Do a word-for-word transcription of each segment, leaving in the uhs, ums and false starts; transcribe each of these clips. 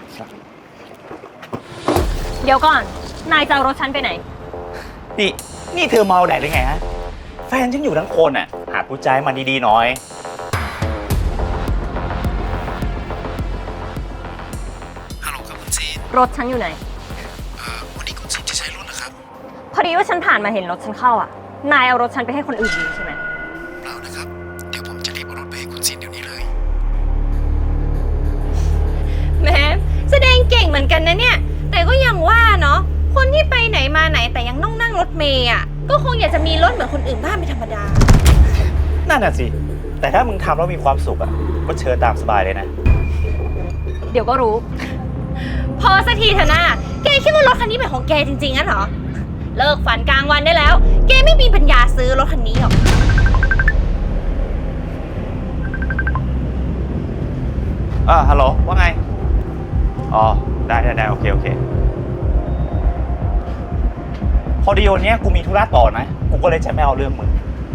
เดี๋ยวก่อนนายจะเอารถฉันไปไหนนี่นี่เธอเมาแดดได้ไงฮะแฟนฉันอยู่ทั้งคนอ่ะหาผู้ใจมันดีๆหน่อยฮัลโหลครับคุณซีนรถฉันอยู่ไหนเอ่อวันนี้คุณซีนจะใช้รถเหรอครับพอดีว่าฉันผ่านมาเห็นรถฉันเข้าอ่ะนายเอารถฉันไปให้คนอื่นยืมใช่ไหมเปล่านะครับเดี๋ยวผมจะรีบเอารถไปให้คุณซีนเดี๋ยวนี้เลยแม้แสดงเก่งเหมือนกันนะเนี่ยแต่ก็ยังว่าเนาะคนที่ไปไหนมาไหนแต่ยังต้องนั่งรถเมย์อ่ะก็คงอยากจะมีรถเหมือนคนอื่นบ้างเป็นธรรมดานั่นน่ะสิแต่ถ้ามึงทำแล้วมีความสุขอ่ะก็เชิญตามสบายเลยนะเดี๋ยวก็รู้พอสักทีเถอะนะแกคิดว่ารถคันนี้เป็นของแกจริงๆงั้นเหรอเลิกฝันกลางวันได้แล้วแกไม่มีปัญญาซื้อรถคันนี้หรอกอ่าฮัลโหลว่าไงอ๋อได้ได้ได้โอเคโอเคพอดีวันนี้กูมีธุระต่อนะกูก็เลยจะไม่เอาเรื่องมึง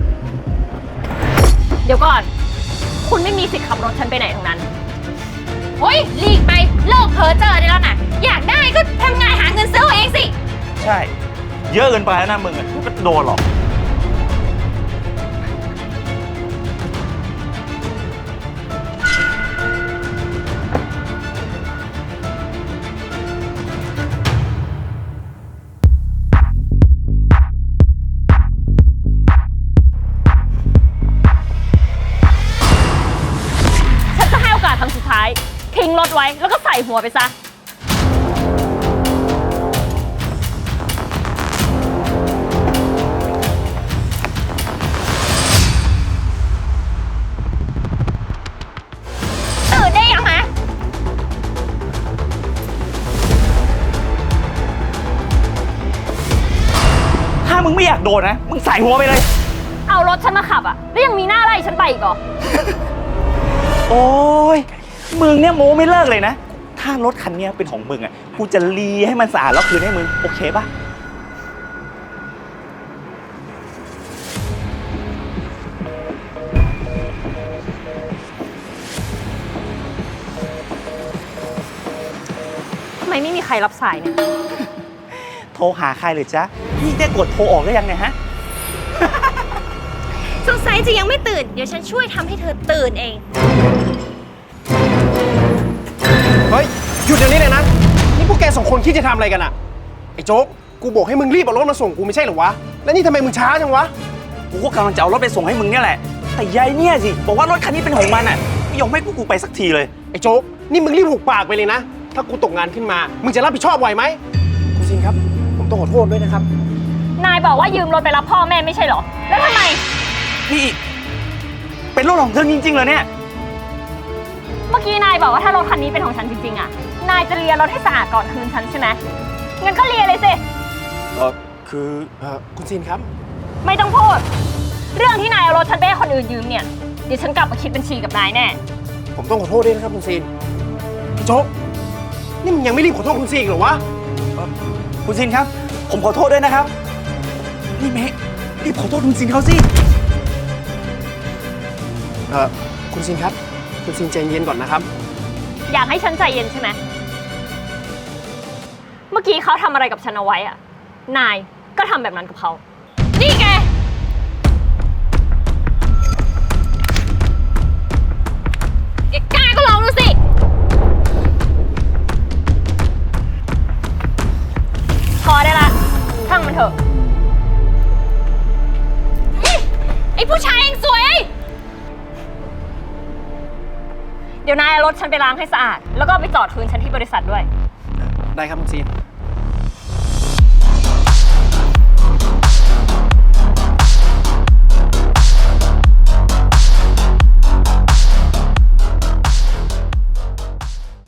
เดี๋ยวก่อนคุณไม่มีสิทธิ์ขับรถฉันไปไหนทั้งนั้นโอ้ยหลีกไปเลิกเพ้อเจ้อได้แล้วนะอยากได้ก็ทำงานหาเงินซื้อเอาเองสิใช่เยอะเกินไปแล้วนะมึงอ่ะก็โดนหรอกครั้งสุดท้ายทิ้งรถไว้แล้วก็ใส่หัวไปซะตื่นได้ยังฮะถ้ามึงไม่อยากโดนนะมึงใส่หัวไปเลยเอารถฉันมาขับอ่ะแล้วยังมีหน้าไล่ฉันไปอีกเหรอโอ้ยมึงเนี่ยโม้ไม่เลิกเลยนะถ้ารถคันนี้เป็นของมึงอ่ะกูจะรีให้มันสะอาดแล้วคืนให้มึงโอเคปะทำไมไม่มีใครรับสายเนี่ยโทรหาใครเลยจ๊ะนี่ได้กดโทรออกได้ยังเนี่ยฮะสงสัยจะยังไม่ตื่นเดี๋ยวฉันช่วยทำให้เธอตื่นเองเฮ้ยหยุดเดี๋ยวนี้เลยนะนี่พวกแกสองคนคิดจะทำอะไรกันอะไอ้โจ๊กกูบอกให้มึงรีบเอารถมาส่งกูไม่ใช่เหรอวะแล้วนี่ทำไมมึงช้าจังวะกูก็กำลังจะเอารถไปส่งให้มึงเนี่ยแหละแต่ยายเนี่ยสิบอกว่ารถคันนี้เป็นของมันอ่ะไม่ยอมให้กูกูไปสักทีเลยไอ้โจ๊กนี่มึงรีบหุบปากไปเลยนะถ้ากูตกงานขึ้นมามึงจะรับผิดชอบไหวไหมคุณซินครับผมต้องขอโทษด้วยนะครับนายบอกว่ายืมรถไปรับพ่อแม่ไม่ใช่เหรอแล้วทำไมนี่เป็นรถของเธอจริงๆเหรอเนี่ยเมื่อกี้นายบอกว่าถ้ารถคันนี้เป็นของฉันจริงๆอ่ะนายจะเลียรถให้สะอาดก่อนคืนฉันใช่ไหมงั้นก็เลียเลยสิเออคือเออคุณซินครับไม่ต้องพูดเรื่องที่นายเอารถฉันไปให้คนอื่นยืมเนี่ยเดี๋ยวฉันกลับมาคิดบัญชีกับนายแน่ผมต้องขอโทษด้วยนะครับคุณซินโจ๊กนี่มึงยังไม่รีบขอโทษคุณซินหรอวะคุณซินครับผมขอโทษด้วยนะครับนี่เมย์รีบขอโทษคุณซินเขาสิเออคุณซินครับคุณซินใจเย็นก่อนนะครับอยากให้ฉันใจเย็นใช่ไหมเมื่อกี้เขาทำอะไรกับฉันเอาไว้อะนายก็ทำแบบนั้นกับเขานี่แกแกกล้าก็ลองดูสิพอได้ละช่างมันเถอะไอ้ผู้ชายเองสวยเดี๋ยวนายเอารถฉันไปล้างให้สะอาดแล้วก็ไปจอดคืนฉันที่บริษัทด้วยได้ครับคุณซีน